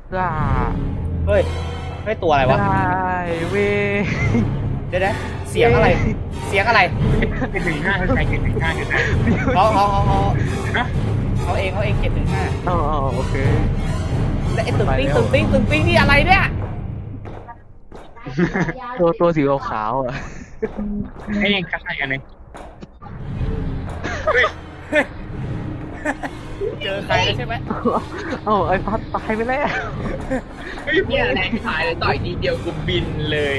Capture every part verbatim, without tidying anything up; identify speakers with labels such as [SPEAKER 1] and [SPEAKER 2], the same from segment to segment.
[SPEAKER 1] ได้
[SPEAKER 2] เฮ้ยเฮ้ยตัวอะไรวะ
[SPEAKER 1] ได้เว้ย
[SPEAKER 2] เดี๋ยวนะเสียงอะไร เสียงอะไร
[SPEAKER 3] เจ็ดถึงห้าคือใครเจ็ดถึงห้าคือใคร
[SPEAKER 2] เขาเขาเขาเขา
[SPEAKER 3] นะ
[SPEAKER 2] เขาเองเขาเองเจ็ดถึงห้า
[SPEAKER 1] อ๋อโอเค
[SPEAKER 2] แล้วไอ้ตึงติ้งตึงติ้งตึงติ้งนี่อะไรเนี่ย
[SPEAKER 1] ตัวตัวสีขาวๆอ่ะ
[SPEAKER 3] ไอ้ยังคัดอะไรกันเนี่ย
[SPEAKER 2] เจอใครแล้วใช่ไหม
[SPEAKER 1] เอ้าไอ้พัดตายไปแล้ว
[SPEAKER 4] เนี่ยแรงขายเลยต่อยทีเดียวกูบินเลย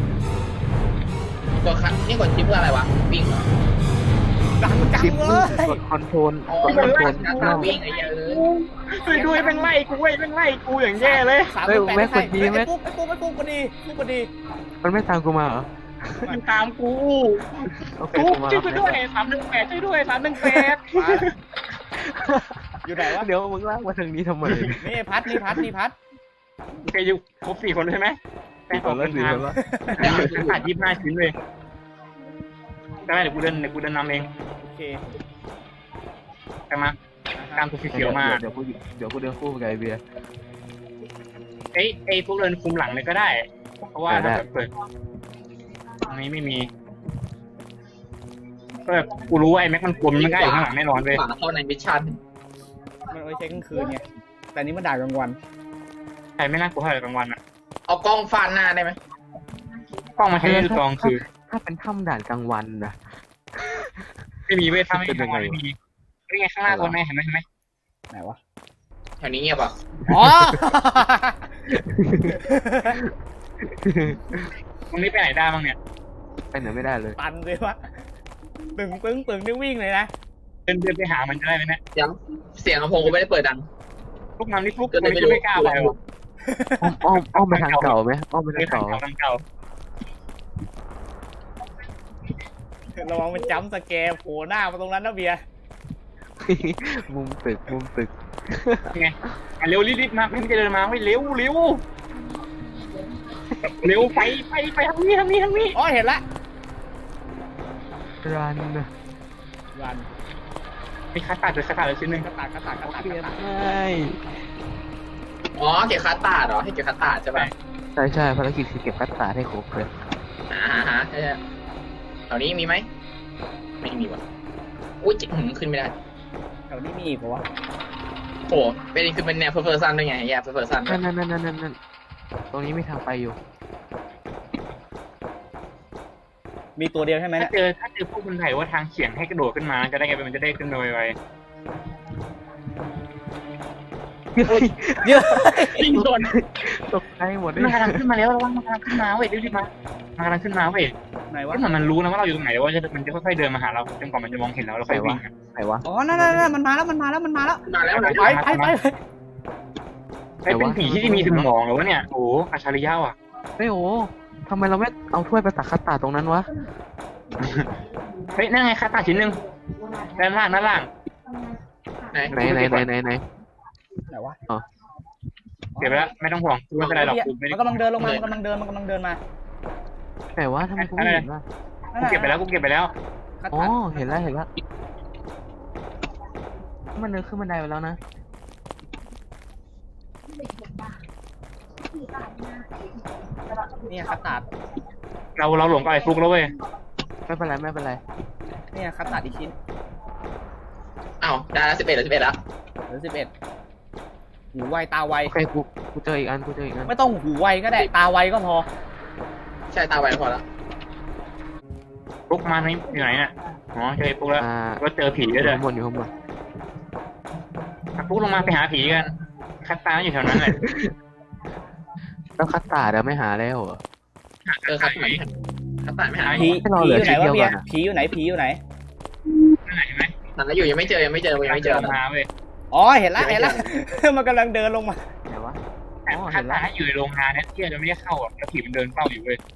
[SPEAKER 4] ตัวคันนี่กดชิปเพื่ออะไรวะวิ่งเหรอ
[SPEAKER 2] ดังจัง
[SPEAKER 1] ชิป
[SPEAKER 2] เล
[SPEAKER 1] มึง
[SPEAKER 2] ย
[SPEAKER 1] กดคอนโทรล
[SPEAKER 4] อ๋อก
[SPEAKER 1] ดคอนโทรล
[SPEAKER 4] หน้าตาวิ่งไอ้เหี้ยเอ้ย
[SPEAKER 3] ช่วยด้วยแม่งไล่กูเว้ยแม่งไล่กูอย่างแย่เลย
[SPEAKER 2] สามสิบแปดไม่ใช่ไอ้ปุ๊กไอ้ปุ๊กไอ้ปุ๊กพอดีปุ๊กพอดี
[SPEAKER 1] มันไม่ตามกูมาเหรอ
[SPEAKER 3] มันตามกู
[SPEAKER 1] โอเค
[SPEAKER 3] กู
[SPEAKER 1] กูมา
[SPEAKER 3] ช่วยด้วยสามหนึ่งแปดช่วยด้วยสามหนึ่งแปด
[SPEAKER 2] มาแล้วอยู่ไหนวะ
[SPEAKER 1] เดี๋ยวมึงลากมาทางนี้ทำไม
[SPEAKER 2] นี่พัดนี่พัดนี่พัด
[SPEAKER 3] โอเคอยู่ครบสี่คนใช่ไหม
[SPEAKER 1] สี่คนแล้วสี่คนแล้ว
[SPEAKER 3] แต่ฉันขาดยี่สิบห้าชิ้นเลยได้เดี๋ยวกูเดินเดี๋ยวกูเดินนำเอง
[SPEAKER 2] โอเค
[SPEAKER 3] ใช่ไหมตามตัวสีเขียวมา
[SPEAKER 1] เดี๋ยวกูเดี๋ยวกูเดินคู่กับไอเบียร์
[SPEAKER 3] เอ้ยไอ้พวกเดินคุมหลังเลยก็ได้ เพราะว่า
[SPEAKER 1] ได้
[SPEAKER 3] ถ้าเปิดตรงนี้ไม่มีก็แบบกูรู้ว่าไอ้แม็กมันกลมมันก็อยู่ข้างหลังแน่นอนเลย
[SPEAKER 4] ขวาเข้าในมิชชั่น
[SPEAKER 2] มันไว้ใช้กลางคืนไงแต่นี้มันด่ากลางวัน
[SPEAKER 3] ใครไม่น่ากลัวเท่าไหร่กลางวันอ่ะ
[SPEAKER 4] เอากล้องฟาดหน้าได้ไหม
[SPEAKER 3] กล้องมาใช้ในกองคือ
[SPEAKER 1] ถ้าเป็นถ้ำด่านกลางวันนะ
[SPEAKER 3] ไม่มีเว้ยถ้าไม่กลางวันไม่มีนี่ไงข้างหน้าคนไหนเห็นไหมเห็นไหม
[SPEAKER 2] ไหนวะ
[SPEAKER 4] แถวนี้เงียบอ่ะ
[SPEAKER 2] อ๋อ
[SPEAKER 3] ตรงนี้ไปไหนได้บ้างเนี่ย
[SPEAKER 1] ไปไหนไม่ได้เลย
[SPEAKER 2] ตันเลยวะตึงตึงตึงนี่วิ่งเลยนะ
[SPEAKER 3] เดินเดินไปหามันจะได้ไหมเนี่ย
[SPEAKER 4] เสียงเสียงลำโพงกูไม่ได้เปิดดัง
[SPEAKER 3] ลูกน้ำนี่ลูก
[SPEAKER 4] ก็เลย
[SPEAKER 3] ไม่
[SPEAKER 4] ไม่รู้
[SPEAKER 3] ไม่กล้าไปหรอก
[SPEAKER 1] อ้อมอ้อมอ้อมไปทางเก่าไหมอ้อมไป
[SPEAKER 3] เดิ
[SPEAKER 1] ทาน ง
[SPEAKER 3] ทาง
[SPEAKER 1] เก่า
[SPEAKER 3] เก่าทางเก่า
[SPEAKER 2] ระวังมันจ้ำสแกร์โผล่หน้ามาตรงนั้นนะเบียร์
[SPEAKER 1] มุมตึกมุมตึก
[SPEAKER 3] ไงอ่ะเร็วรีบๆมาเพิ่งจะเดินมาไว้เร็วเร็วเร็วไปไปไปทางนี้ทางนี้ทางนี้
[SPEAKER 2] อ๋อเห็นละ
[SPEAKER 1] รัน
[SPEAKER 2] รัน
[SPEAKER 3] มีคาตัดเลยคาตัดเลยชิ้นหนึ่ง
[SPEAKER 2] กระตากกระตากกระตาก
[SPEAKER 1] เปลี่
[SPEAKER 2] ก
[SPEAKER 1] ยน
[SPEAKER 2] ระตาก
[SPEAKER 1] ให้
[SPEAKER 4] อ๋อเก็บคาตาร์ดเหรอให้เก็บคาตาร์ดใช่ป่ะ
[SPEAKER 1] ใช่ใช่ภารกิจคือเก็บคัตตาร์ดให้ครบเลย
[SPEAKER 4] อ่าฮะใช่แถวนี้มีไหมไม่มีว่ะอุ้ยจิ๋มขึ้นไม่ได้
[SPEAKER 2] แถวนี้มีอีกปะวะ
[SPEAKER 4] โอ้เป็นคือเป็นแนวเพอร์เพอร์ซันด้วยไงแย่เพอร์เพอร์ซัน
[SPEAKER 1] นั่นนั่นนั่นนั่นนั่นตรงนี้มีทางไปอยู่
[SPEAKER 2] มีตัวเดียวใช่ไหม
[SPEAKER 3] ถ้า
[SPEAKER 2] เนี่ย
[SPEAKER 3] เจอถ้าเจอพวกคนไทยว่าทางเฉียงให้กระโดดขึ้นมาจะได้ไงมันจะได้ขึ้นโดยไว
[SPEAKER 2] เยอะ
[SPEAKER 3] ยิงโดน
[SPEAKER 1] ตกใจหมดเลย
[SPEAKER 3] มันกำลังขึ้นมาแล้วระวังมันกำลังขึ้นมาเว้ยรีบๆมามันกำลังขึ้นมาเว้ย
[SPEAKER 2] ไหน
[SPEAKER 3] ก็
[SPEAKER 2] วะ
[SPEAKER 3] เหมือนมันรู้นะว่าเราอยู่ตรงไหนว่าจะมันจะค่อยๆเดินมาหาเราจนกว่ามันจะมองเห็นเราแล้วค่อยวิ่ง
[SPEAKER 1] ไหนวะ
[SPEAKER 2] อ๋อนั่นนั่นนั่นมันมาแล้วมันมาแล้วมันมาแล้ว
[SPEAKER 4] มาแล้วนะ
[SPEAKER 2] ไปไปไป
[SPEAKER 3] ไอ้เป็นผีที่มีสมองเหรอวะเนี่ยโอ้อัจฉริยะว่ะ
[SPEAKER 1] เฮ้ยโอ้ทำไมเราไม่เอาถ้วยไปตักคัตตาร์ดตรงนั้นวะ
[SPEAKER 3] เฮ้ยนั่นไงคาตาชิ้นหนึ่งด้านล่างด้านล่าง
[SPEAKER 4] ไหน
[SPEAKER 1] ไหนไหนไหนไหนไหน
[SPEAKER 2] ไหนวะ
[SPEAKER 3] เก็บไปแล้วไม่ต้องห่วงกูไม่เป็นไรหรอกกูไม่ได้
[SPEAKER 2] มันกำลังเดินลงมามันกำลังเดินมันกำลังเดินมา
[SPEAKER 1] ไหนวะทำไมกูไม่เห็นวะ
[SPEAKER 3] กูเก็บไปแล้วกูเก็บไปแล้ว
[SPEAKER 2] คัด
[SPEAKER 1] อ๋อ
[SPEAKER 2] ตัด
[SPEAKER 1] เห็นแล้วเห็นแล้วมันเดินขึ้นบันไดไปแล้วนะ
[SPEAKER 2] เนี่ยคัดตัด
[SPEAKER 3] เราเราหลงกับไอ้ฟลุกแล้วเว้ย
[SPEAKER 1] ไม่เป็นไรไม่เป็นไร
[SPEAKER 2] เนี่ยคัดตัดอีกชิ้น
[SPEAKER 4] อ้าวได้แล้วสิบเอ็ดแล้วสิบเอ็ดแล้ว
[SPEAKER 2] เหลือสิบเอ็ดหูไวตาไว
[SPEAKER 1] โอเคกูกูเจออีกอันกูเจออีกอัน
[SPEAKER 2] ไม่ต้องหูไวก็ได้ตาไวก็พอ
[SPEAKER 4] ใช่ตาไวพอแล้ว
[SPEAKER 3] ฟลุกมาไหมอยู่ไหนเนี่ยอ๋อเจอไอ้ฟลุกแล้ว
[SPEAKER 1] อ่า
[SPEAKER 3] ก็เจอผี
[SPEAKER 1] อ
[SPEAKER 3] ด้วย
[SPEAKER 1] ยู่
[SPEAKER 3] เด้อ
[SPEAKER 1] ข้างบนอยู่ข้างบน
[SPEAKER 3] ฟลุกลงมาไปหาผีกันคาตาอยู่แถวนั้นแหละ
[SPEAKER 1] แล้วคัตตาร์ดอะไม่หาแล้วเหรอ
[SPEAKER 4] เออคาตาร์ดคาตาร์ดไม่หาย
[SPEAKER 2] ผี
[SPEAKER 1] ให้เรา
[SPEAKER 2] ผี
[SPEAKER 1] เหลื
[SPEAKER 2] อ
[SPEAKER 1] อยู่
[SPEAKER 2] ไหน
[SPEAKER 1] ชิ้น
[SPEAKER 2] วะ
[SPEAKER 1] เดียว
[SPEAKER 2] เบีย
[SPEAKER 1] ก่อน
[SPEAKER 2] ร์
[SPEAKER 1] อะ
[SPEAKER 2] ผีอยู่ไหนผีอยู่ไหน
[SPEAKER 3] นั่นไหนเห็นไหม
[SPEAKER 4] นั่นแล้วอยู่ยังไม่เจอยังไม่เจอยังไม่เจอ
[SPEAKER 3] ลงมาเว้ย
[SPEAKER 2] อ๋อเห็นละเห็นละ มันกำลังเดินลงมา
[SPEAKER 1] ไหนวะ
[SPEAKER 3] แต่คาตาอยู่ในโรงงานเนี่ยที่จะไม่ได้เข้าอ่ะแล้วผีมันเดินเฝ้าอยู่เว้ย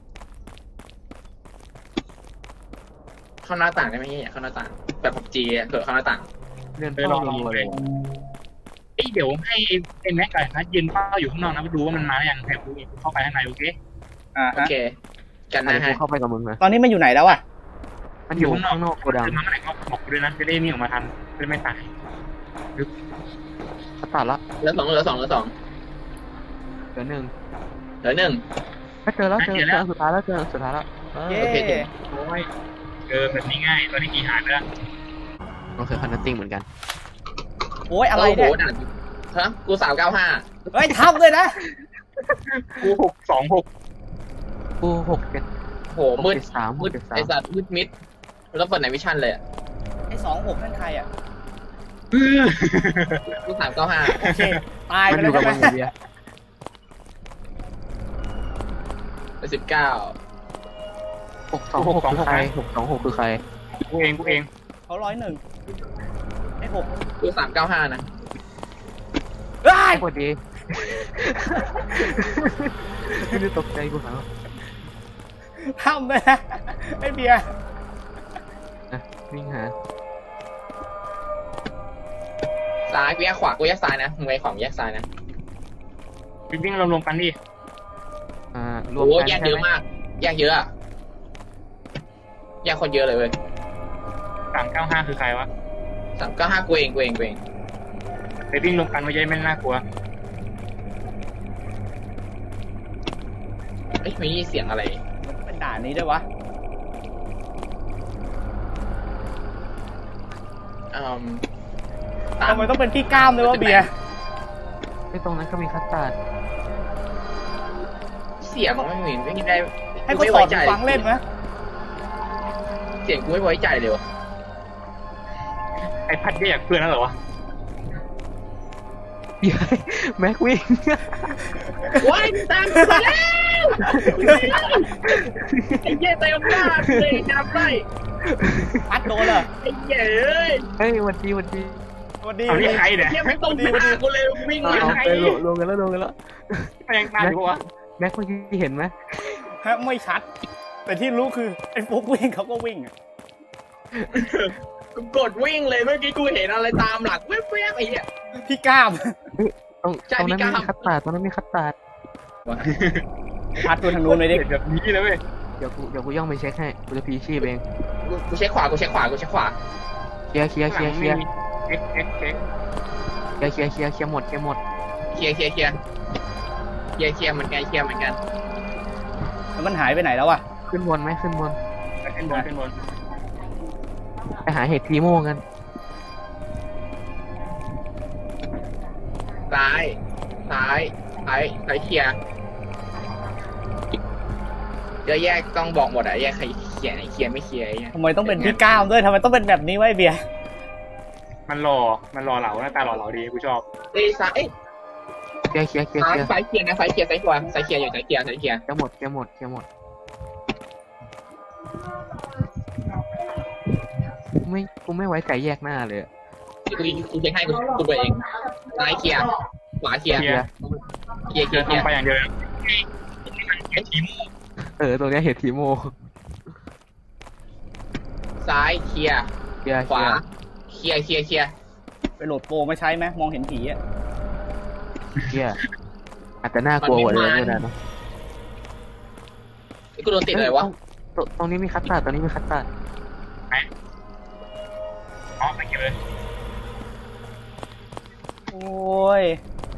[SPEAKER 4] เข้าหน้าต่างได้ไหมเนี่ยเข้าหน้าต่างแบบผับจีเผื่อเข้าหน้าต่าง
[SPEAKER 1] เดินเฝ้ารัวๆเลย
[SPEAKER 3] เอ้ยเดี๋ยวให้ไอ้แม็กกับนัดยืนเฝ้าอยู่ข้างนอกนะไปดูว่ามันมาหรือยังแถบดูเข้าไปข้างในโอเค
[SPEAKER 2] อ่า
[SPEAKER 4] โอ
[SPEAKER 2] ฮะ
[SPEAKER 4] เค กัน
[SPEAKER 1] อัน
[SPEAKER 4] นะ
[SPEAKER 1] นี้กู
[SPEAKER 4] ฮะ
[SPEAKER 1] เข้าไปกับมึงนะ
[SPEAKER 2] ตอนนี้มันอยู่ไหนแล้วอะ
[SPEAKER 1] มันอยู่ข้างนอกโกดัง
[SPEAKER 3] เดินมาเมื่อไหร่ก็บอกกูด้วยนะจะได้มีออกมาทันจะไม่ตาย
[SPEAKER 1] คัตตาร์ดละ
[SPEAKER 4] เหลือสองเหลือสองเหลือสอง
[SPEAKER 1] เหลือหนึ่ง
[SPEAKER 4] เหลือหนึ่ง
[SPEAKER 1] ก็เจอแล้วเจอเจอสุดท้ายแล้วเจอสุดท้ายแล้วเออ
[SPEAKER 2] เย้
[SPEAKER 4] โอเคโอเค
[SPEAKER 3] โอ้ยเจอแบบนี้ง่ายตอนนี้กี่หายไปแล้ว
[SPEAKER 1] มันคือคันนัตติ้งเหมือนกัน
[SPEAKER 2] โอ้ยอะไร
[SPEAKER 4] โอ้โห
[SPEAKER 2] เนี่ย
[SPEAKER 4] ด่านฮะกูสามเก้าห้า
[SPEAKER 2] เฮ้ยทำเลยนะ
[SPEAKER 3] กูหกสองหก
[SPEAKER 1] กูหกเจ็ด
[SPEAKER 4] โหมืด
[SPEAKER 1] เจ็ดสามห
[SPEAKER 4] มื
[SPEAKER 1] ก
[SPEAKER 4] ด
[SPEAKER 1] เจ็ดสา
[SPEAKER 4] ไอ
[SPEAKER 1] ม
[SPEAKER 4] สัตว์มืดมิดแล้วเปิดไหนวิชั่นเลยอะ
[SPEAKER 2] ไอ้สองหกนั่นใครอ่ะ
[SPEAKER 4] กูสามเก้าห้า
[SPEAKER 2] โอเคตาย
[SPEAKER 1] มั
[SPEAKER 2] ไป
[SPEAKER 1] นอ
[SPEAKER 2] แล้ว
[SPEAKER 1] ยู่กับ
[SPEAKER 2] ใช่
[SPEAKER 1] มัน
[SPEAKER 2] ไหม
[SPEAKER 1] อยู่เดียว
[SPEAKER 4] ไปสิบเก้า
[SPEAKER 1] หกสองหกคือใครหกสองหกคือใคร
[SPEAKER 3] กูเองกูเอง
[SPEAKER 2] เขาร้อยหนึ่งไอ้หก
[SPEAKER 4] กูสามเก้าห้านะ
[SPEAKER 2] เฮ้ย
[SPEAKER 1] สวัสดีไม่ได้ตกใจกูเหรอ
[SPEAKER 2] ทำเลยนะไอ้เบียร์
[SPEAKER 1] อ่ะวิ่งหา
[SPEAKER 4] ซ้ายกูแยกขวากูแยกซ้ายนะมึงไปขวามึงแยกซ้ายนะ
[SPEAKER 3] วิ่งรวมๆกันดิ
[SPEAKER 1] อ่ารวม
[SPEAKER 4] โอ้
[SPEAKER 1] กัน
[SPEAKER 4] แยก
[SPEAKER 1] ใช่
[SPEAKER 4] เยอะ
[SPEAKER 1] ไหม
[SPEAKER 4] มาก แยกเยอะอะแยกคนเยอะเลยเว้ย
[SPEAKER 3] สามเก้าห้าคือใครวะ
[SPEAKER 4] สามเก้าห้ากูเองกูเองกูเอง
[SPEAKER 3] ไปวิ่งรวมกันไม่ใช่ไม่น่ากลัว
[SPEAKER 4] เอ้ยมีเสียงอะไร
[SPEAKER 2] มันเป็นด่านนี้ด้วยวะ
[SPEAKER 4] อืมตาม
[SPEAKER 2] ทำไมต้องเป็นพี่ก้ามด้วยวะเบียร์
[SPEAKER 1] ไอ้ตรงนั้นก็มีคัสตาร์ด
[SPEAKER 4] เสียงไม่เห็นไม่ได้
[SPEAKER 2] ให้เขาถอดหูฟังเล่นไหม
[SPEAKER 4] เสียงกูไม่ไว้ใจเลยวะ
[SPEAKER 3] ไอ้พัดแยกเพื่อนนั่นเหรอวะ
[SPEAKER 1] เย้ยแม็กวิ่ง
[SPEAKER 4] ว้ายตามมาแล้วไอ้เหี้ยเต็มหน้าเลยจำได้
[SPEAKER 2] ปัดโดนเหรอ
[SPEAKER 4] ไอ้เหี้ยเอ้ย
[SPEAKER 1] เฮ้ยวันดีวันดี
[SPEAKER 2] สวัสดี
[SPEAKER 3] เอา
[SPEAKER 2] สวัส
[SPEAKER 3] นี่
[SPEAKER 2] ดี
[SPEAKER 3] ใครเนี่ย
[SPEAKER 4] เหี้ยไม่ต้องหน้ากูเลยวิ่ง
[SPEAKER 1] เอา
[SPEAKER 4] มา
[SPEAKER 1] เอา
[SPEAKER 4] ไง
[SPEAKER 1] ไปลงลงกันแล้วลงกันแล้ว
[SPEAKER 3] ยังตายอยู่ปะวะ
[SPEAKER 1] แม็กเมื่อกี้เห็นไหม
[SPEAKER 2] ฮะไม่ชัด แต่ที่รู้คือไอ้ฟุกวิ่งเขาก็วิ่งอะ
[SPEAKER 4] กูกดวิ่งเลยเมื่อกี้กูเห็นอะไรตามหลังแว๊บๆไอ้เหี้ย
[SPEAKER 2] พี่ก้าม
[SPEAKER 1] ตรง
[SPEAKER 4] ใช่
[SPEAKER 1] ตรงนั้น
[SPEAKER 4] พี่
[SPEAKER 1] มี
[SPEAKER 4] ก้าว
[SPEAKER 1] คัสตาร์ดตรงนั้นมีคัสตาร์ด
[SPEAKER 2] พัดตัวทางนู้นเลยดิ
[SPEAKER 3] เห็นแบบนี้เลยเว้ย
[SPEAKER 1] เดี๋ยวกูเดี๋ยวกูย่องไปเช็คให้กูจะพีชีพเอง
[SPEAKER 4] กูกูเช็คขวากูเช็คขวากูเช็คขวา
[SPEAKER 1] เคลียร์เคลียร์เคลียร์เคลียร์
[SPEAKER 3] เอ็กเอ็กเอ็ก
[SPEAKER 1] เคลียร์เคลียร์เคลียร์เคลียร์หมดเคลียร์หมด
[SPEAKER 4] เคลียร์เคลียร์เคลียร์เคลียร์เคลียร์เหมือนกันเคลียร์เหมือนกัน
[SPEAKER 2] แล้วมันหายไปไหนแล้ววะ
[SPEAKER 1] ขึ้นบนไหมขึ้นบน
[SPEAKER 3] ขึ้นบนขึ้นบน
[SPEAKER 1] ไปหาเห็ดทีโม่กัน
[SPEAKER 4] ซ้ายซ้ายซ้ายซ้ายเคลียร์เดี๋ยวแยกต้องบอกหมดอะแยกใครเคลียร์ไหนเคลียร์ไม่เคลียร์ไอ้เหี้ย
[SPEAKER 2] ทำไมต้องเป็นพี่ก้ามด้วยทำไมต้องเป็นแบบนี้ไวะไอ้เบียร์
[SPEAKER 3] มันหล่อมันหล่อเหลาหน้าตาหล่อเหลาดีกูชอบ
[SPEAKER 4] เอ้ยซ้ายเอ้ย
[SPEAKER 1] เคลียร์เคลียร์เคลียร์
[SPEAKER 4] ซ้า
[SPEAKER 1] เค
[SPEAKER 4] ย
[SPEAKER 1] ลียร์
[SPEAKER 4] ซ้ายเคลียร์นะซ้ายเคลียร์ซ้ายขวาซ้ายเคลียร์อยู่ซ้ายเคลียร์ซ้ายเคลียร์
[SPEAKER 1] เคลียร์หมดเคลียร์หมดเคลียร์หมดกูไม่กูไม่ไว้ใจแยกหน้าเลยอะ
[SPEAKER 4] กูกูเช็คให้กูกูไปเองซ้ายเคลียร์ขวาเคลียร์
[SPEAKER 3] เคลียร์
[SPEAKER 4] เคลียร์เคลี
[SPEAKER 3] เดิ
[SPEAKER 4] ย
[SPEAKER 3] น
[SPEAKER 4] ร์เคลียร์
[SPEAKER 3] ทำไปอย่างเดียวไอ้ทีม
[SPEAKER 1] เออตรงเนี้ยเห็ดทีโม่
[SPEAKER 4] ซ้ายเคลียร์
[SPEAKER 1] เคลียร์
[SPEAKER 4] ข
[SPEAKER 1] เคลี
[SPEAKER 4] วาย
[SPEAKER 1] ร์
[SPEAKER 4] เคลียร์เคลียร์เคลียร์
[SPEAKER 2] ไปโหลดโปรมาใช้ไหมมองเห็นผีอะ
[SPEAKER 1] เคลียร์อาจจะน่ากลัวกว่าเดิมก็ได้นะ
[SPEAKER 4] ไอ้กูโดนติดเลยวะ
[SPEAKER 1] ตรงตรงนี้มีคัสตาร์ดตรงนี้มีคัสตาร์ด
[SPEAKER 3] อ๋อไม่เกี่ยวเลย
[SPEAKER 2] โอ้ย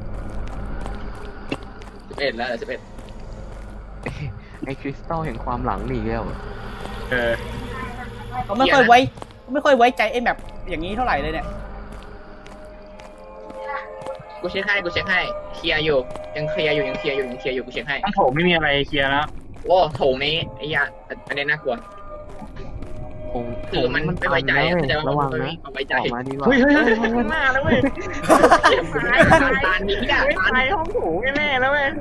[SPEAKER 4] สิบเอ็ดแล้วสิบเอ็ด
[SPEAKER 1] ไอ้คริสตัลแห่งความหลังนี่แล้ว
[SPEAKER 3] เออ
[SPEAKER 2] เขาไม่ค่อยไว้เขาไม่ค่อยไว้ใจไอ้แบบอย่างนี้เท่าไหร่เลยเนี่ย
[SPEAKER 4] กูเช็คให้กูเช็คให้เคลียร์อยู่ยังเคลียร์อยู่ยังเคลียร์อยู่ยังเคลียร์อยู่กูเช็คให้
[SPEAKER 3] ต้องโถไม่มีอะไรเคลียร์แล้ว
[SPEAKER 4] โอ้โถงนี้ไอ้ยาอันนี้น่ากลัว
[SPEAKER 1] คง
[SPEAKER 4] คือมันไม่ไว้ใจ
[SPEAKER 1] คง
[SPEAKER 4] เข้าใจว่า
[SPEAKER 1] ระวั
[SPEAKER 4] มั
[SPEAKER 1] ง
[SPEAKER 4] นไม่
[SPEAKER 1] นะ
[SPEAKER 4] มีความไว้ใจ
[SPEAKER 1] ออกมาดีกว่า
[SPEAKER 3] เฮ้ยเฮ้ยเฮ้ยข้างหน้าแล้วเว้ย
[SPEAKER 4] ตานนี้อ่ะ
[SPEAKER 3] ไม่
[SPEAKER 4] ตาน
[SPEAKER 3] ไปห้องโถแน่ๆแล้วเว้ย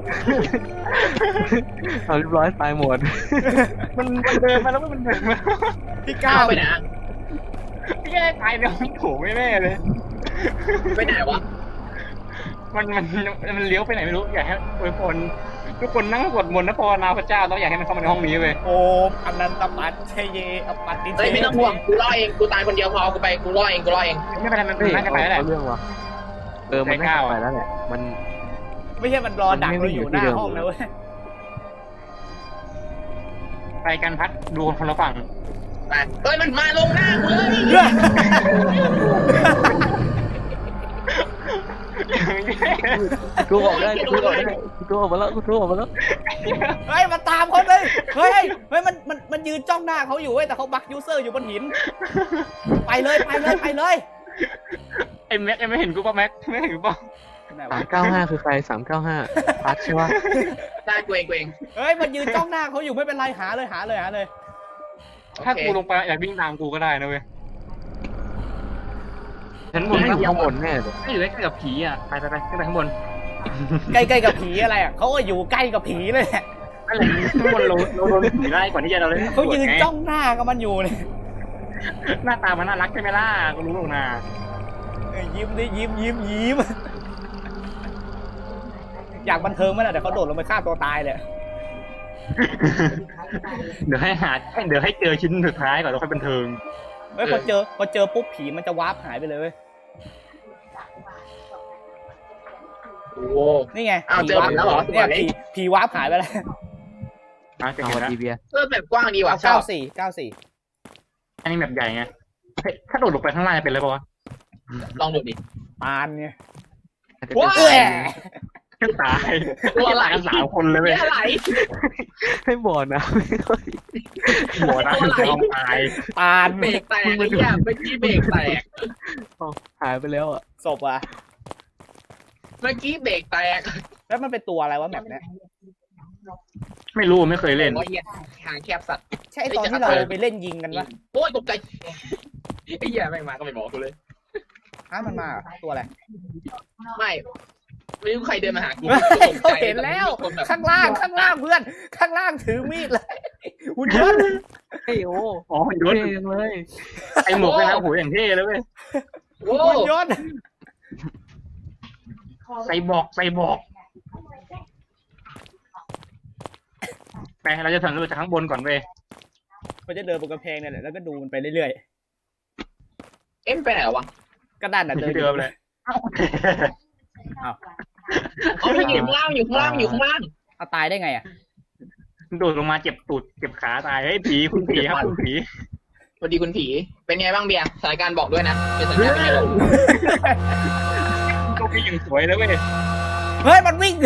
[SPEAKER 1] เอาเรียบร้อยตายหมด
[SPEAKER 3] มันมันเดินมาแล้วมันเดินมา
[SPEAKER 2] พี่ก้า
[SPEAKER 4] ก้าว วไปไหน
[SPEAKER 3] พี่แค่ตายในห้องโถแน่ๆเลย
[SPEAKER 4] ไปไหนวะ
[SPEAKER 3] มันมันมันเลี้ยวไปไหนไม่รู้อยากให้อวยพรทุกคนนั่งสวดมนต์นะภาวนาพระเจ้าต้องอยากให้มันเข้ามาในห้องนี้เว้ย
[SPEAKER 2] โอมอนันตปัตเชเยอปัตติเช
[SPEAKER 4] เฮ้ยไม่ต้องห่วงกูรอเองกูตายคนเดียวพอกูไปกูรอเองกูรอเอง
[SPEAKER 3] ไม่เป็นไรมัน
[SPEAKER 1] เฮ้ย
[SPEAKER 3] น่าจะไปแล้วแหละ
[SPEAKER 1] เอาเรื่องว่ะเออมัน
[SPEAKER 3] ใจ
[SPEAKER 1] น่าก
[SPEAKER 3] ล้า
[SPEAKER 1] จะ
[SPEAKER 3] ว่ะ
[SPEAKER 1] ไปแล้วแหละมัน
[SPEAKER 2] ไม่ใช่มันรอดักเราอยู่หน้าห้องนะเว้ย
[SPEAKER 3] ไปกันพัดดูคนละฝั่ง
[SPEAKER 4] ไปเฮ้ยมันมาลงหน้ากูเลย
[SPEAKER 1] กูออกได้กูออกได้กูออกมาแล้วกูออกมาแล้ว
[SPEAKER 2] เฮ้ยมันตามเขาเลยเฮ้ยเฮ้ยมันมันมันยืนจ้องหน้าเขาอยู่เว้ยแต่เขาบักยูเซอร์อยู่บนหินไปเลยไปเลยไปเลย
[SPEAKER 3] ไอ้แม็กไอ้ไม่เห็นกูป่ะแม็กไม่เห็นกูป่ะ
[SPEAKER 2] ไหน
[SPEAKER 1] สาว
[SPEAKER 2] ะ
[SPEAKER 1] มเก้าห้าคือใครสามเก้าห้าพัดใช่ปะ
[SPEAKER 4] ได้กูเองกูเอง
[SPEAKER 2] เฮ้ยมันยืนจ้องหน้าเขาอยู่ไม่เป็นไรหาเลยหาเลยหาเลย
[SPEAKER 3] ถ้ากูลงไปอยากวิ่งตามกูก็ได้นะเว้ยฉันบ
[SPEAKER 1] ผม
[SPEAKER 3] น
[SPEAKER 1] ไม่
[SPEAKER 3] ไม่
[SPEAKER 1] อยู่ข้างบนแน่เลย
[SPEAKER 3] ไม่อยู่ใกล้กับผีอ่ะไปไปไปขึ้นไปข้างบน
[SPEAKER 2] ใกล้ๆกับผีอะไรอ่ะเขาก็อยู่ใกล้กับผีเลยแหละ
[SPEAKER 3] อะไรข้างบนเราเราโดนผีไล่ก่อนที่จะเราเล่น
[SPEAKER 2] เขายืนจ้องหน้ากับมันอยู่เลย
[SPEAKER 3] หน้าตามันน่ารักใช่ไหมล่ะกูรู้หรอกนะ
[SPEAKER 2] เอ้ยยิ้มดิยิ้มยิ้มยิ้มอยากบันเทิงมั้ยล่ะเดี๋ยวเขาโดดลงไปฆ่าตัวตายเลย
[SPEAKER 3] เดี๋ยวให้หาเดี๋ยวให้เจอชิ้นสุดท้ายก่อนแล้วค่อยบันเทิง
[SPEAKER 2] เฮ้ยพอเจอพอเจอปุ๊บผีมันจะวาร์ปหายไปเลยเว้ย
[SPEAKER 4] โอ้โห
[SPEAKER 2] นี่ไง
[SPEAKER 4] อ้าวเจอผมแล้วเหรอ
[SPEAKER 2] เนี่ยผีผีวาร์ปหายไปแล้ว
[SPEAKER 3] อ่ะเจอ
[SPEAKER 1] เอา
[SPEAKER 3] แล้ว
[SPEAKER 1] ดีเบียร์
[SPEAKER 4] เออแบบกว้างดีว่ะชอ
[SPEAKER 2] เก้า
[SPEAKER 4] บ
[SPEAKER 2] สี่เก้าสี่
[SPEAKER 3] อันนี้แบบใหญ่ไงเฮ้ยถ้าโดดลงไปข้างล่างจะเป็นอะไรปะวะ
[SPEAKER 4] ลองดูดิ
[SPEAKER 2] ปานไง
[SPEAKER 4] ว้า
[SPEAKER 2] เอ้ย
[SPEAKER 3] ตายตัวอะไรกันสามคนเลยเว้ย
[SPEAKER 4] แค่ไหล
[SPEAKER 1] ให้บ่อนะไม่ค่อย
[SPEAKER 3] หัวนะคือความตาย
[SPEAKER 2] ปาน
[SPEAKER 4] เบรกแตกไอ้เหี้ยเมื่อกี้เบรกแตก
[SPEAKER 1] หายไปแล้วอ่ะ
[SPEAKER 2] ศพอ่ะ
[SPEAKER 4] เมื่อกี้เบรกแตก
[SPEAKER 2] แล้วมันเป็นตัวอะไรวะแบบเนี้ย
[SPEAKER 3] ไม่รู้ไม่เคยเล่น
[SPEAKER 4] โอ้ยเหี้ยทางแคบสัตว์
[SPEAKER 2] ใช่ไอ้ตอนที่เราไปเล่นยิงกันปะ
[SPEAKER 4] โอ้ยตกใจไอ้เหี้ยแม่งมาก็ไม่บอกกูเลย
[SPEAKER 2] ฮะมันมาเหรอตัวอะไร
[SPEAKER 4] ไม่ไม่รู้ใครเดินมาหากู
[SPEAKER 2] เขาเห็นแล้ว
[SPEAKER 4] คนแบบ
[SPEAKER 2] ข้างล่างข้างล่างเพื่อน ข้างล่างถือมีดเลยหุ่นยนต์
[SPEAKER 1] เฮ้ยโอ้
[SPEAKER 3] อ๋อหุ่นยน
[SPEAKER 1] เท่
[SPEAKER 3] ต์
[SPEAKER 1] จังเลย
[SPEAKER 3] ไอหมวกเลยนะโอ้โหอย่างเท่เลยเว้ย
[SPEAKER 4] โอ้
[SPEAKER 2] หุ่นยนต์
[SPEAKER 3] ใส่บอกใส่บอกไปเราจะถึงเราจากข้างบนก่อนเว้ย
[SPEAKER 2] มันจะเดินบนกำแพงเนี่ยแหละแล้วก็ดูมันไปเรื่อย
[SPEAKER 4] เอ็มไปไหนวะ
[SPEAKER 2] ๆก็ด้านน่ะเดิน
[SPEAKER 3] ที่เดิมเลย
[SPEAKER 2] อ้าว
[SPEAKER 4] อ๋อมันอยู่ข้างล่างอยู่ข้างล่างอยู่ข้างล่าง
[SPEAKER 2] เอาตายได้ไงอ่ะ
[SPEAKER 3] โดดลงมาเจ็บตูดเจ็บขาตายเฮ้ยผีคุณผีครับคุณผี
[SPEAKER 4] สวัสดีคุณผี เป็นไงบ้างเบียร์สถานการณ์บอกด้วยนะ เป็นสถานการณ์เป็นไงบ้าง
[SPEAKER 3] ก็พี่ยังสวยเลยเว้ย
[SPEAKER 2] เฮ้ยมันวิ่ง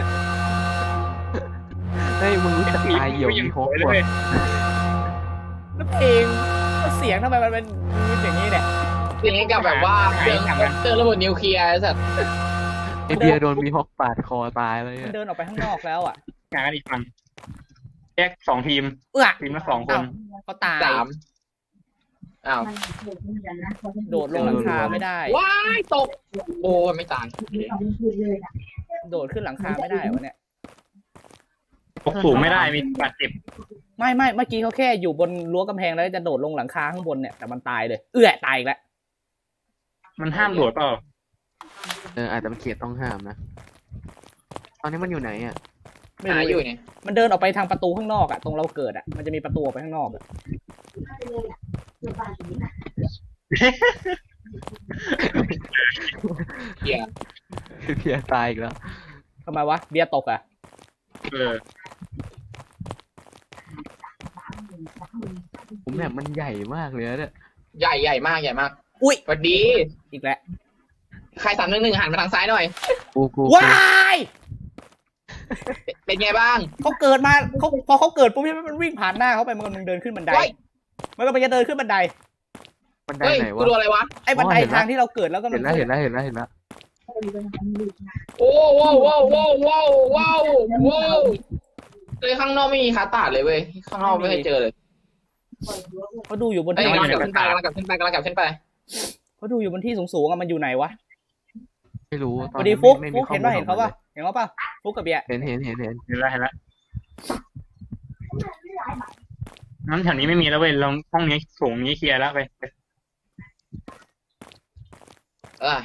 [SPEAKER 1] เฮ้ยมึงรู้จักตายเหี่ยว
[SPEAKER 3] ยั
[SPEAKER 1] มี
[SPEAKER 3] ง
[SPEAKER 1] โค
[SPEAKER 3] ส
[SPEAKER 1] ก
[SPEAKER 3] วยเลย
[SPEAKER 1] ว
[SPEAKER 3] เว้ย
[SPEAKER 2] แล้วเพลงแล้วเสียงทำไมมันเป็นอย่างนี้เนี่ย
[SPEAKER 4] อย่างนี้กับแบบว่าเครื่องเครื่องระเบิดนิวเคลียร์ไอ้สัตว์
[SPEAKER 1] ไอเบียร์โดนมีฮอกปาดคอตายเลย
[SPEAKER 2] มัน
[SPEAKER 1] อะ
[SPEAKER 2] เดินออกไปข้างนอกแล้วอ่ะ
[SPEAKER 3] งานกันอีกฝั่งแยกสองทีม
[SPEAKER 2] เอื้อ
[SPEAKER 3] ทีมละสองคน
[SPEAKER 2] เขาตาย
[SPEAKER 4] สามอ้าว
[SPEAKER 2] โดดลงหลังคาไม่ได้
[SPEAKER 4] ว้ายตก โอ้ยไม่ตาย
[SPEAKER 2] โดดขึ้นหลังคาไม่ได้วะเนี่ย
[SPEAKER 3] ตกสูงไม่ได้มีบาดเจ็บ
[SPEAKER 2] ไม่ไม่เมื่อกี้เขาแค่อยู่บนรั้วกำแพงแล้วจะโดดลงหลังคาข้างบนเนี่ยแต่มันตายเลย เอื้อตายอีกแล้ว
[SPEAKER 3] มันห้ามโดดเปล่า
[SPEAKER 1] เอออาจจะเป็นเขตต้องห้ามนะตอนนี้มันอยู่ไหนอ่ะ
[SPEAKER 2] ไม่
[SPEAKER 4] หา
[SPEAKER 2] รู้
[SPEAKER 4] อยู่เนี่ย
[SPEAKER 2] มันเดินออกไปทางประตูข้างนอกอะตรงเราเกิดอะมันจะมีประตูออกไปข้างนอกอะ
[SPEAKER 4] เบียร์
[SPEAKER 1] เบียร์ตายอีกแล้ว
[SPEAKER 2] ทำไมวะเบียร์ตกอะ
[SPEAKER 3] เออ
[SPEAKER 1] ผมแบบมันใหญ่มากเลยนะเนี่ย
[SPEAKER 4] ใหญ่ใหญ่มากใหญ่มาก
[SPEAKER 2] อุ้ย
[SPEAKER 4] สวัสดี
[SPEAKER 2] อีกแล้ว
[SPEAKER 4] ใครสามหนึ่งหนึ่งหันมาทางซ้ายหน่อย
[SPEAKER 1] กูกู
[SPEAKER 2] ว้าย
[SPEAKER 4] เป็นไงบ้าง
[SPEAKER 2] เขาเกิดมาเขาพอเขาเกิดปุ๊บมันวิ่งผ่านหน้าเขาไปมันกำลังเดินขึ้นบันได
[SPEAKER 4] เฮ้ย
[SPEAKER 2] มันก็มันจะเดินขึ้นบันได
[SPEAKER 1] บันได
[SPEAKER 4] เฮ้ย
[SPEAKER 1] ไหน
[SPEAKER 4] กู
[SPEAKER 1] วะ
[SPEAKER 4] ดูอะไรวะ
[SPEAKER 2] ไอ้บันได
[SPEAKER 1] อ๋อเห็นแล้ว
[SPEAKER 2] ทางที่เราเกิดแล้วก็มั
[SPEAKER 1] เห็นแล้วเห็นแล้วเห็นแล้วเห็นแล้ว
[SPEAKER 4] โอ้ว้าวว้าวว้าวว้าวว้าวว้าวเลยข้างนอกไม่มีคาตาดเลยเว้ย ข้างนอกไม่เคยเจอเลย
[SPEAKER 2] เขาดูอยู่บน
[SPEAKER 4] เฮ้ย
[SPEAKER 2] ที่
[SPEAKER 4] กำลังกลับขึ้นไปกำลังกลับขึ้นไปกำลังกลับขึ้นไป
[SPEAKER 2] เขาดูอยู่บนที่สูงๆอะมันอยู่ไหนวะ
[SPEAKER 1] ไม่รู้
[SPEAKER 2] สวัสดีฟุก
[SPEAKER 1] ไม่
[SPEAKER 2] ฟุ
[SPEAKER 1] มี
[SPEAKER 2] ก
[SPEAKER 1] ข้อ
[SPEAKER 2] เห็น
[SPEAKER 1] มูล
[SPEAKER 2] ป่ะเห็นเขาป่ะเห็นเขาป่ะฟุกกับเบียร์
[SPEAKER 1] เห็นเห็นเห็นเห็น
[SPEAKER 3] เห็นแล้วเห็นแล้วนั้นแถวนี้ไม่มีแล้วเว้ยลองห้องนี้สูงนี้เคลียร์แล้วไป
[SPEAKER 4] เออก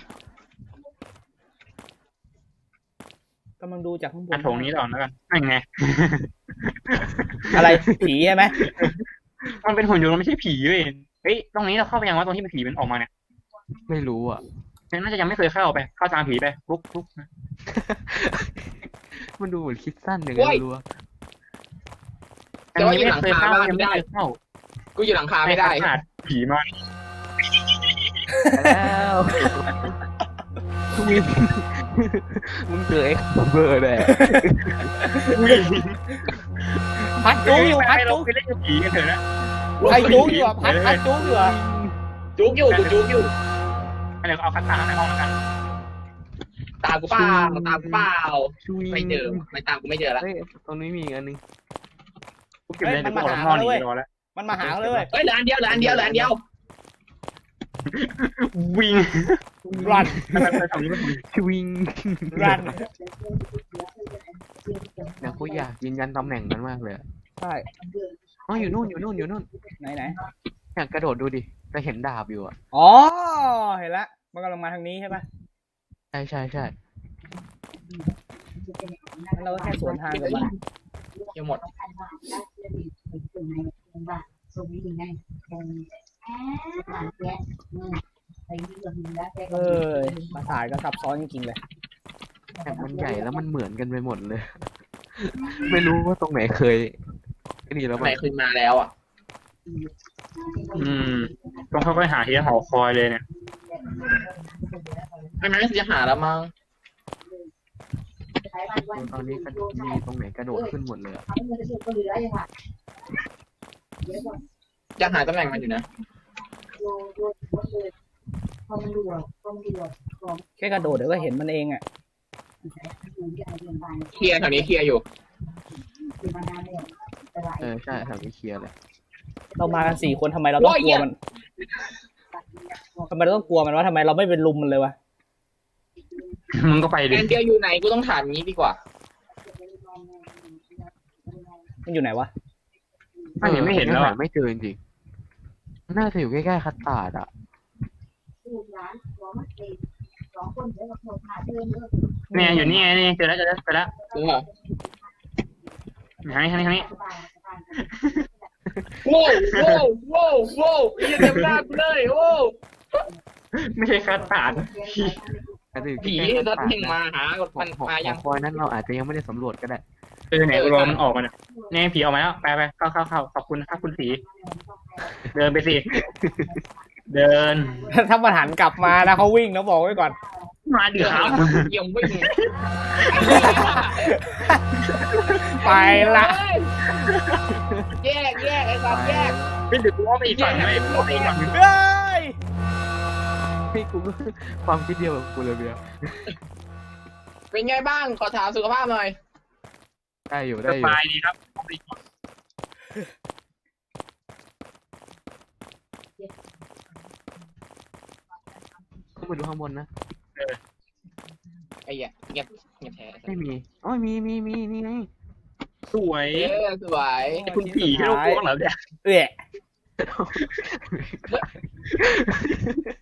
[SPEAKER 2] ำลังดูจากข้างบ
[SPEAKER 3] อั
[SPEAKER 2] น
[SPEAKER 3] ดโถงนี้ต่อแล้วกันนั่นไง
[SPEAKER 2] อะไรผีใช่ไหม
[SPEAKER 3] มันเป็นหุ่นยนต์มันไม่ใช่ผีเว้ยเฮ้ยตรงนี้เราเข้าไปยังว่าตรงที่เป็นผีมันออกมาเนี่ย
[SPEAKER 1] ไม่รู้อ่ะ
[SPEAKER 3] น่าจะยังไม่เคยเข้าไปเข้าตามผีไปลุกลุก
[SPEAKER 1] มันดูเหมือนคิดสั้นอย่างนั้นรู้ว่า
[SPEAKER 4] แต่ว่าอยู่หลังคาบ้าน
[SPEAKER 3] ยัง
[SPEAKER 4] ไม่
[SPEAKER 3] ไม่
[SPEAKER 4] ได้
[SPEAKER 3] เคยเข้า
[SPEAKER 4] กูอยู่หลังคาไม่ได้
[SPEAKER 3] ขนาดผีมา
[SPEAKER 1] แล้ววิ่งมึงเจอเอ็กซ์เบอร์แน่
[SPEAKER 2] พัดจุกอยู่พัด
[SPEAKER 3] เรา
[SPEAKER 2] จุก
[SPEAKER 3] ไปเล่นกับผีกันเถอะนะ
[SPEAKER 2] ใครจุกอยู่อะพัดพัดจุกอยู่อะ
[SPEAKER 4] จุกอยู่กูจุกอยู่
[SPEAKER 3] เดี๋ยวเอาคัตตาในห้องแล้วกัน
[SPEAKER 4] ตามกูเปล่าตามกูเปล่า
[SPEAKER 1] ช่วย
[SPEAKER 4] ไม่เจอไม่ตามกูไม่เจอแล้ว
[SPEAKER 1] เฮ้ยตรงนี้มีอีกอันนึง
[SPEAKER 3] กูเก็บเลยเดี๋ยวกูออกนอกหนีรอแล้ว
[SPEAKER 2] มันมาหาเขาเลยเว้ย
[SPEAKER 4] เฮ้ยเหลืออันเดียวเหลืออันเดียวเหลืออันเดียว
[SPEAKER 3] วิ่ง
[SPEAKER 2] รัน
[SPEAKER 3] ไปทางนี้มัน
[SPEAKER 1] ช่วิง
[SPEAKER 2] รัน
[SPEAKER 1] เนี่ยกูอยากยืนยันตำแหน่งมันมากเลยอะ
[SPEAKER 2] ใช่
[SPEAKER 1] อ๋ออยู่นู่นอยู่นู่นอยู่นู่น
[SPEAKER 2] ไหนไหน
[SPEAKER 1] อยากกระโดดดูดิจะเห็นดาบอยู่อ่ะ
[SPEAKER 2] อ๋อเห็นละมันกำลังมาทางนี้ใช่ปะ
[SPEAKER 1] ใช่ใช่ใช่
[SPEAKER 2] งั้นเราก็แค่สวนทางกับมัน
[SPEAKER 4] ยังหมด
[SPEAKER 2] เออประสาทก็ซับซ้อนจริงๆเลย
[SPEAKER 1] แต่มันใหญ่แล้วมันเหมือนกันไปหมดเลย ไม่รู้ว่าตรงไหนเคยไอ้นี่แล้ว
[SPEAKER 4] ไห
[SPEAKER 1] มัน
[SPEAKER 4] นคืนมาแล้วอ่ะ
[SPEAKER 3] อืมต้องค่อยๆหาที่หอคอยเลยเนี่ย
[SPEAKER 4] ไม่งั้นจะหาแล้วมั้ง
[SPEAKER 1] ตอนนี้ก็มีตรงไหนกระโดดขึ้นหมดเลยอะ
[SPEAKER 4] จะหาตำแหน่งมันอยู่นะ
[SPEAKER 2] แค่กระโดดเดี๋ยวก็เห็นมันเองอ่ะ
[SPEAKER 4] เคลียร์แถวนี้เคลียร์อยู่
[SPEAKER 1] เออใช่แถวนี้เคลียร์เลย
[SPEAKER 2] เรามากันสี่คนทำไมเราต้องกลัวมันทำไมเราต้องกลัวมันวะทำไมเราไม่เป็นลุมมันเลยวะ
[SPEAKER 3] มึงก็ไปดิ
[SPEAKER 4] แอนเดียวอยู่ไหนกูต้องถามงี้ดีกว่า
[SPEAKER 2] มันอยู่ไหนวะ
[SPEAKER 3] ถ้ายังไม่เห็นแล้ว
[SPEAKER 1] หา
[SPEAKER 3] อ่ะ
[SPEAKER 1] ไม่เจอจริงๆน่าจะอยู่ใกล้ๆคัตตาร์ดอ่ะ
[SPEAKER 3] เนี่ยอยู่นี่ไงนี่เจอแล้วเจอแล้วเจอแล้ว
[SPEAKER 4] จริงเหรอ
[SPEAKER 3] ทางนี้ทางนี้ทางนี้
[SPEAKER 4] โว้วโว้วโว้วโว้วยืนเต็มหน้ากูเลยโว้ว
[SPEAKER 3] ไม่ใช่คัตตาร์ด
[SPEAKER 1] อาจจะอยู่
[SPEAKER 4] ผี
[SPEAKER 1] ใกล้ๆ
[SPEAKER 4] ทั
[SPEAKER 1] คั
[SPEAKER 4] ด
[SPEAKER 1] ตตาร์ด
[SPEAKER 4] เพ่งมาหา
[SPEAKER 1] หอ
[SPEAKER 4] มัน
[SPEAKER 1] หอ
[SPEAKER 4] มา
[SPEAKER 1] ห
[SPEAKER 4] ยั
[SPEAKER 1] อง คอยนั้นเราอาจจะยังไม่ได้สำรวจก็ได้
[SPEAKER 3] เออไหนรอมันออกมาเนี่ยเนี่ยผีออกมาแล้วไปไปเข้าเข้าเข้าขอบคุณครับคุณสีเดินไปสิเดิน
[SPEAKER 2] ถ้ามันหันกลับมานะเขาวิ่งนะบอกไว้ก่อน
[SPEAKER 3] มาดิครับ
[SPEAKER 4] เยี่ยมวิ่ง
[SPEAKER 2] ไปละ
[SPEAKER 4] แยกแยกไอ้สัตว์แยก
[SPEAKER 3] ไม่ดึกว่าไปอีกฝั่งไม่ไปอีกฝั่ง
[SPEAKER 2] เฮ้ย
[SPEAKER 1] ให้กูก็ความคิดเดียวกับกูเลยเบียร์
[SPEAKER 4] เป็นไงบ้างขอถามสุขภาพหน่อย
[SPEAKER 1] ได้อยู่
[SPEAKER 3] ส
[SPEAKER 1] ได้อยู่
[SPEAKER 3] บายดีครับ
[SPEAKER 1] ขึ้นไปดูข้างบนนะ
[SPEAKER 4] ไอ้เหี้ยเงียบเงียบแท้
[SPEAKER 1] ไม่มีอ๋อมีมีมีนี่ไง
[SPEAKER 3] สวย
[SPEAKER 4] เออสวย
[SPEAKER 3] คุณผีให้เรากลัวเหรอเนี่ย
[SPEAKER 2] เอ๊ะ